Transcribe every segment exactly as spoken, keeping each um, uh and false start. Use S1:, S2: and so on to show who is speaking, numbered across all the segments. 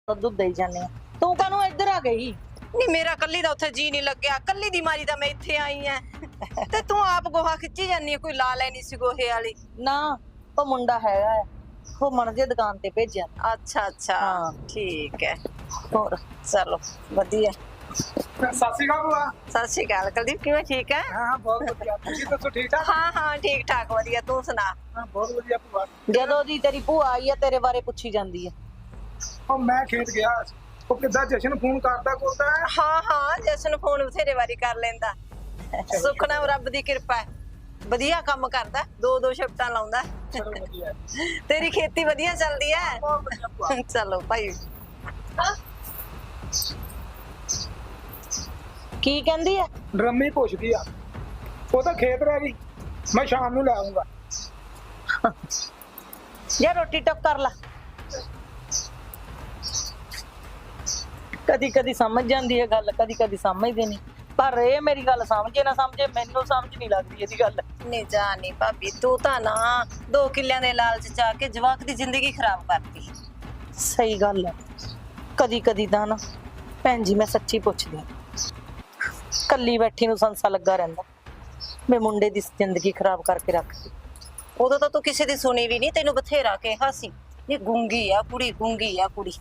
S1: ਦੁੱਧ ਦੇਈ ਜਾਂਦੇ ਆ। ਤੂੰ ਕਾਹਨੂੰ ਇੱਧਰ ਆ ਗਈ?
S2: ਨਹੀਂ ਮੇਰਾ ਕੱਲੀ ਦਾ ਉੱਥੇ ਜੀ ਨਹੀਂ ਲੱਗਿਆ, ਕੱਲੀ ਦੀ ਮਾਰੀ ਦਾ ਮੈਂ ਇੱਥੇ ਆਈ ਐ ਤੇ ਤੂੰ ਆਪ ਗੋਹਾ ਖਿੱਚੀ ਜਾਂਦੀ ਐ, ਕੋਈ ਲਾ ਲੈਣੀ ਸੀ ਗੋਹੇ ਵਾਲੀ।
S1: ਨਾ ਉਹ ਮੁੰਡਾ ਹੈਗਾ ਹੈ, ਉਹ ਮਣ ਜੇ ਦੁਕਾਨ ਤੇ ਭੇਜਿਆ।
S2: ਅੱਛਾ ਅੱਛਾ
S1: ਹਾਂ।
S2: ਠੀਕ ਹੈ,
S1: ਹੋਰ
S2: ਚਲੋ ਵਧੀਆ।
S3: ਸਤਿ ਸ਼੍ਰੀ ਅਕਾਲ ਭੂਆ।
S2: ਸਤਿ ਸ਼੍ਰੀ ਅਕਾਲ ਕੁਲਦੀਪ, ਕਿਵੇਂ ਠੀਕ ਹੈ?
S3: ਹਾਂ ਬਹੁਤ ਵਧੀਆ, ਤੁਸੀਂ ਦੱਸੋ ਠੀਕ ਠਾਕ?
S2: ਹਾਂ ਹਾਂ ਠੀਕ ਠਾਕ ਵਧੀਆ, ਤੂੰ ਸੁਣਾ?
S3: ਹਾਂ ਬਹੁਤ ਵਧੀਆ ਭੂਆ।
S1: ਜਦੋਂ ਦੀ ਤੇਰੀ ਭੂਆ ਆਈ ਆ ਤੇਰੇ ਬਾਰੇ ਪੁੱਛੀ ਜਾਂਦੀ ਹੈ।
S3: ਉਹ ਮੈਂ ਖੇਤ ਗਿਆ ਸੀ, ਉਹ ਕਿੱਦਾਂ ਜਸ਼ਨ ਫੋਨ ਕਰਦਾ ਕਰਦਾ ਹੈ।
S2: ਹਾਂ ਹਾਂ ਜਸ਼ਨ ਫੋਨ ਬਥੇਰੇ ਵਾਰੀ ਕਰ ਲੈਂਦਾ, ਸੁੱਖ ਨਾਲ ਰੱਬ ਦੀ ਕਿਰਪਾ ਹੈ, ਵਧੀਆ ਕੰਮ ਕਰਦਾ, ਦੋ ਦੋ ਸ਼ਿਫਟਾਂ ਲਾਉਂਦਾ।
S3: ਚਲੋ ਵਧੀਆ,
S2: ਤੇਰੀ ਖੇਤੀ ਵਧੀਆ ਚੱਲਦੀ ਹੈ?
S3: ਬਹੁਤ ਵਧੀਆ ਭੂਆ।
S2: ਚਲੋ ਭਾਈ।
S1: ਕੀ ਕਹਿੰਦੀ ਹੈ?
S3: ਡਰਮੀ ਪੁੱਛਦੀ ਆ, ਉਹ ਤਾਂ ਖੇਤ ਰਹਿ ਗਈ, ਮੈਂ ਸ਼ਾਮ ਨੂੰ ਲੈ ਆਉਂਗਾ।
S1: ਜੇ ਰੋਟੀ ਟੱਕ ਕਰ ਲਾ। ਕਦੀ ਕਦੀ ਸਮਝ ਜਾਂਦੀ ਹੈ ਗੱਲ, ਕਦੀ ਕਦੀ ਸਮਝਦੀ ਨਹੀਂ, ਪਰ ਇਹ ਮੇਰੀ ਗੱਲ ਸਮਝੇ ਨਾ ਸਮਝੇ, ਮੈਨੂੰ ਸਮਝ ਨਹੀਂ ਲੱਗਦੀ ਇਹਦੀ ਗੱਲ।
S2: ਨਹੀਂ ਜਾਣੀ ਭਾਬੀ, ਤੂੰ ਤਾਂ ਨਾ ਦੋ ਕਿੱਲਿਆਂ ਦੇ ਲਾਲਚ ਚ ਆ ਕੇ ਜਵਾਕ ਦੀ ਜ਼ਿੰਦਗੀ ਖਰਾਬ ਕਰਤੀ।
S1: ਸਹੀ ਗੱਲ ਹੈ, ਕਦੀ ਕਦੀ ਤਾਂ ਨਾ ਭੈਣ ਜੀ ਮੈਂ ਸੱਚੀ ਪੁੱਛਦੀ ਹਾਂ, ਕੱਲੀ ਬੈਠੀ ਨੂੰ ਸੰਸਾ ਲੱਗਾ ਰਹਿੰਦਾ, ਮੈਂ ਮੁੰਡੇ ਦੀ ਜ਼ਿੰਦਗੀ ਖਰਾਬ ਕਰਕੇ ਰੱਖਦੀ।
S2: ਉਦੋਂ ਤਾਂ ਤੂੰ ਕਿਸੇ ਦੀ ਸੁਣੀ ਵੀ ਨਹੀਂ, ਤੈਨੂੰ ਬਥੇਰਾ ਕਿਹਾ ਸੀ ਇਹ ਗੁੰਗੀ ਆ ਕੁੜੀ, ਗੁੰਗੀ ਆ ਕੁੜੀ।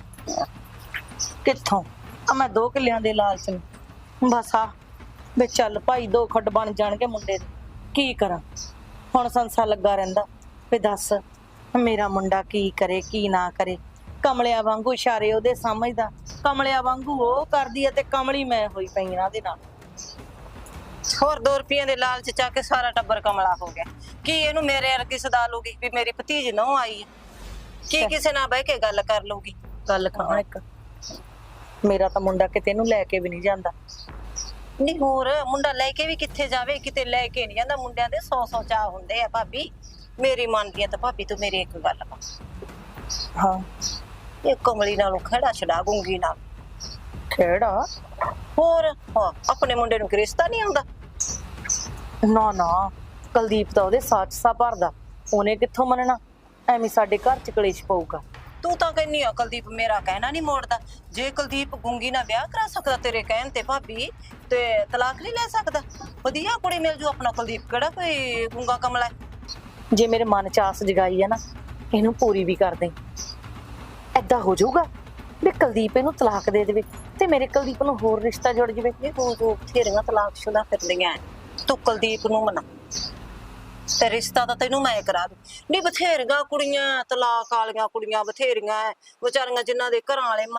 S1: ਕਿੱਥੋਂ ਆ ਮੈਂ ਦੋ ਕਿੱਲਿਆਂ ਦੇ ਲਾਲਚ ਨੂੰ ਬਸ ਆ ਵੇ ਚੱਲ ਭਾਈ ਦੋ ਖੱਡ ਬਣ ਜਾਣਗੇ ਮੁੰਡੇ ਦੇ, ਕੀ ਕਰਾਂ ਹੁਣ ਸੰਸਾ ਲੱਗਾ ਰਹਿੰਦਾ। ਵੇ ਦੱਸ ਮੇਰਾ ਮੁੰਡਾ ਕੀ ਕਰੇ ਕੀ ਨਾ ਕਰੇ, ਕਮਲਿਆਂ ਵਾਂਗੂ ਇਸ਼ਾਰੇ ਉਹਦੇ ਸਮਝਦਾ, ਕਮਲਿਆਂ ਵਾਂਗੂ ਉਹ ਕਰਦੀ ਹੈ ਤੇ ਕਮਲੀ ਮੈਂ ਹੋਈ ਪਈ ਇਹਨਾਂ ਦੇ ਨਾਲ।
S2: ਹੋਰ ਦੋ ਰੁਪਈਆਂ ਦੇ ਲਾਲਚ ਚ ਆ ਕੇ ਸਾਰਾ ਟੱਬਰ ਕਮਲਾ ਹੋ ਗਿਆ। ਕੀ ਇਹਨੂੰ ਮੇਰੇ ਵਰਗੀ ਸਦਾ ਲੂਗੀ ਵੀ ਮੇਰੀ ਭਤੀਜ ਨਹੁੰ ਆਈ ਹੈ? ਕੀ ਕਿਸੇ ਨਾਲ ਬਹਿ ਕੇ ਗੱਲ ਕਰ ਲੂਗੀ?
S1: ਗੱਲ ਕਹਾਂ ਇੱਕ, ਮੇਰਾ ਤਾਂ ਮੁੰਡਾ ਕਿਤੇ ਨੂੰ ਲੈ ਕੇ ਵੀ ਨਹੀਂ ਜਾਂਦਾ।
S2: ਨਹੀਂ ਹੋਰ ਮੁੰਡਾ ਲੈ ਕੇ ਵੀ ਕਿੱਥੇ ਜਾਵੇ, ਕਿਤੇ ਲੈ ਕੇ ਨਹੀਂ ਜਾਂਦਾ। ਮੁੰਡਿਆਂ ਦੇ ਸੌ ਸੌ ਚਾਹ ਹੁੰਦੇ ਆ ਭਾਬੀ, ਮੇਰੀ ਮੰਨਦੀ ਆ ਤਾਂ ਭਾਬੀ ਤੂੰ ਮੇਰੀ ਇੱਕ ਗੱਲ ਵਾ,
S1: ਹਾਂ
S2: ਇਹ ਕਮਲੀ ਨਾਲੋਂ ਖੜਾ ਛਡਾ ਗੁੰਗੀ ਨਾਲ।
S1: ਕਿਹੜਾ?
S2: ਹੋਰ ਹਾਂ, ਆਪਣੇ ਮੁੰਡੇ ਨੂੰ ਰਿਸ਼ਤਾ ਨਹੀਂ ਆਉਂਦਾ?
S1: ਨਾ ਨਾ ਕੁਲਦੀਪ ਤਾਂ ਉਹਦੇ ਸਾਚ ਸਾ ਭਰਦਾ, ਉਹਨੇ ਕਿੱਥੋਂ ਮੰਨਣਾ, ਐਵੇਂ ਸਾਡੇ ਘਰ ਚ ਕਲੇਸ਼ ਪਊਗਾ।
S2: ਤੂੰ ਤਾਂ ਕਹਿੰਨੀ ਆ ਕੁਲਦੀਪ ਮੇਰਾ ਕਹਿਣਾ ਨਹੀਂ ਮੋੜਦਾ। ਜੇ ਕੁਲਦੀਪ ਗੁੰਗੀ ਨਾਲ ਵਿਆਹ ਕਰਾ ਸਕਦਾ ਤੇਰੇ ਕਹਿਣ ਤੇ ਭਾਬੀ, ਤੇ ਤਲਾਕ ਨਹੀਂ ਲੈ ਸਕਦਾ? ਵਧੀਆ ਕੁੜੀ ਮਿਲ ਜੂ ਆਪਣਾ। ਕੁਲਦੀਪ ਕਿਹੜਾ ਕੋਈ ਗੁੰਗਾ ਕਮਲਾ ਹੈ?
S1: ਜੇ ਮੇਰੇ ਮਨ ਚ ਆਸ ਜਗਾਈ ਹੈ ਨਾ, ਇਹਨੂੰ ਪੂਰੀ ਵੀ ਕਰ ਦੇ। ਏਦਾਂ ਹੋ ਜਾਊਗਾ ਵੀ ਕੁਲਦੀਪ ਇਹਨੂੰ ਤਲਾਕ ਦੇ ਦੇਵੇ ਤੇ ਮੇਰੇ ਕੁਲਦੀਪ ਨੂੰ ਹੋਰ ਰਿਸ਼ਤਾ ਜੁੜ ਜਾਵੇ।
S2: ਇਹ ਤੂੰ ਤੂੰ ਬਥੇਰੀਆਂ ਤਲਾਕਸ਼ੁਦਾ ਫਿਰਦੀਆਂ ਐ, ਤੂੰ ਕੁਲਦੀਪ ਨੂੰ ਮਨਾ ਤੇ ਰਿਸ਼ਤਾ ਤਾਂ ਤੈਨੂੰ ਮੈਂ ਕਰਾ ਦੂੰ। ਨਹੀਂ ਬਥੇਰੀਆਂ ਕੁੜੀਆਂ ਤਲਾਕ ਵਾਲੀਆਂ ਕੁੜੀਆਂ ਬਥੇਰੀਆਂ ਐ ਵਿਚਾਰੀਆਂ, ਜਿਨ੍ਹਾਂ ਦੇ ਘਰਾਂ ਵਾਲੇ